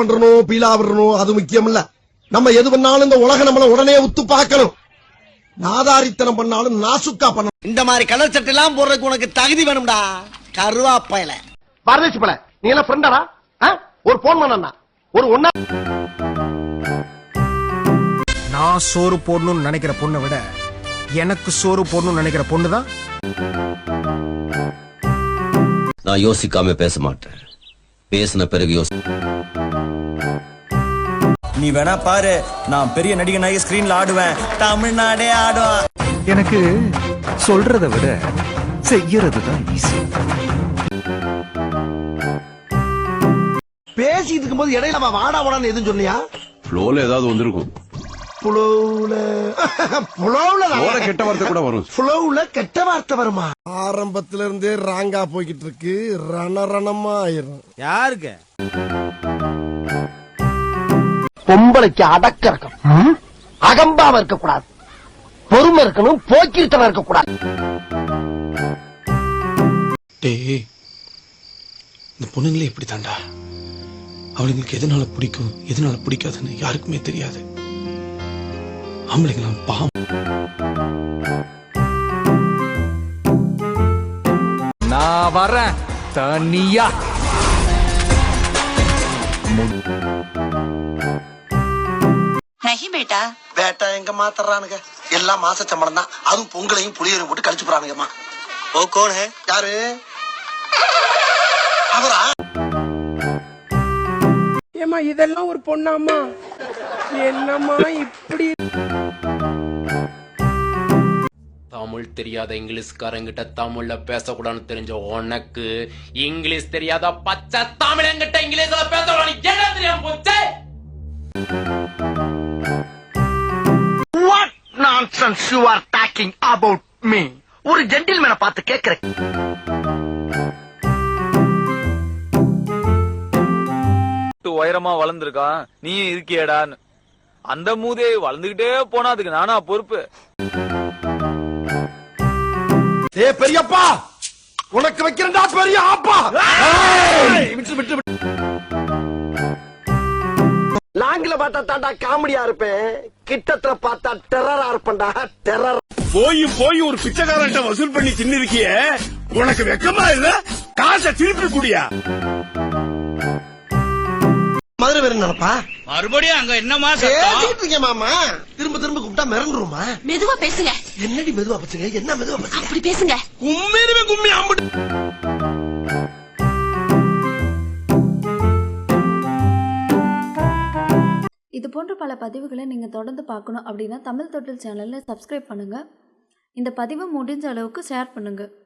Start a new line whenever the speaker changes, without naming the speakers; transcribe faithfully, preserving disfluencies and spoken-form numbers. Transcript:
பண்றணும் பீலா விடணும் அது முக்கியம் இல்ல. நம்ம எது பண்ணாலும் இந்த உலகம் நம்மள உடனே உத்து பார்க்கணும். நாதாரித்தனம் பண்ணாலும் நாசுக்கா பண்ணணும்.
இந்த மாதிரி கலர் சட்டை எல்லாம் போடுறதுக்கு உனக்கு தகுதி வேணும்டா. கருவாப்பையில
பரதேசி பல நீ எல்லாம் ஃப்ரெண்டாடா? ஒரு போன் பண்ணா ஒரு ஒன்னா.
நான் சோறு போடணும்னு நினைக்கிற பொண்ணை விட எனக்கு சோறு போடணும்னு நினைக்கிற பொண்ணுதான்.
நான் யோசிக்காம பேச மாட்டேன். பேசின பிறகு யோசி.
நீ வேணா பாரு, நான் பெரிய நடிகனாகி ஸ்கிரீன்ல ஆடுவேன். தமிழ்நாடே ஆடும்.
எனக்கு சொல்றதை விட செய்யறது தான் ஈஸி.
பேசிட்டு இருக்கும் போது இடையில வாடா வாடான்னு எதுவும் சொன்னியா?
ஃப்ளோல ஏதாவது வந்திருக்கும்.
புலவுல புலவுல
கெட்ட வார்த்தை கூட வரும்.
புலவுல கெட்ட வார்த்தை வருமா? ஆரம்பத்துல இருந்தே ராங்கா போய்கிட்டு இருக்கு. ரணரணமா ஆயிரும்.
யாருக்கு?
பொம்பளைக்கு அடக்க இருக்கணும், அகம்பாவ இருக்க கூடாது, பொறுமை இருக்கணும், போக்கிருத்தனம் இருக்க கூடாது.
டேய், இந்த பொண்ணுங்களே இப்படி தாண்டா. அவளுங்களுக்கு எதனால பிடிக்கும் எதனால பிடிக்காதுன்னு யாருக்குமே தெரியாது. ஆம்பளைங்களாம் பாவம்.
நான் வரேன் தனியா.
नहीं बेटा
பேட்டா எங்க மாத்தறானுங்க? எல்லாம் மாச சம்பளம் தான். அதுவும் பொங்கலையும் புளியரையும் போட்டு கழிச்சு போறானுங்கம்மா. ஓ கோன் ஹே? யாரு அவரா?
ஏமா இதெல்லாம் ஒரு பொண்ணாமா? என்னம்மா இப்படி?
தமிழ் தெரியாத இங்கிலீஷ்காரங்கிட்ட தமிழ்ல பேசக்கூடாதுன்னு தெரிஞ்ச உனக்கு இங்கிலீஷ் தெரியாத பச்சை தமிழங்கிட்ட இங்கிலீஷ்ல பேசக்கூடாது என்ன தெரியாம போச்சு?
What nonsense you are talking about me? ஒரு ஜென்டில்மேனை பார்த்து கேக்குறேன்.
உயரமா வளர்ந்துருக்கான், நீ இருக்கியடான்னு. அந்த மூதே வளர்ந்துகிட்டே போனா அதுக்கு நானா பொறுப்பு?
ஏ பெரியப்பா, உனக்கு வைக்கிறேன்டா பெரிய ஆப்பா. விட்டு விட்டு லாங்கில பார்த்தா தாண்டா காமெடியா இருப்பேன், கிட்டத்துல பார்த்தா டெரரா இருப்பேன்டா. டெரர்
போய் போய் ஒரு பிச்சைக்காரன்ட்ட வசூல் பண்ணி தின்னு இருக்கிய, உனக்கு வெக்கமா இல்ல? காசை திருப்பி குடியா.
மதுரை வேற நினைப்பா.
மறுபடியும் அங்க என்னமா
பேசிட்டு இருக்கேன் மாமா. திரும்ப திரும்ப கூப்பிட்டா மிரண்டுருமா?
மெதுவா பேசுங்க.
என்னடி மெதுவா பேசுங்க? என்ன மெதுவா பேசுங்க?
அப்படி பேசுங்க.
கும்மிருமே கும்மி அம்பு.
இது போன்ற பல பதிவுகளை நீங்கள் தொடர்ந்து பார்க்கணும் அப்படின்னா தமிழ் தொட்டில் சேனலில் சப்ஸ்கிரைப் பண்ணுங்கள். இந்த பதிவை முடிஞ்ச அளவுக்கு ஷேர் பண்ணுங்கள்.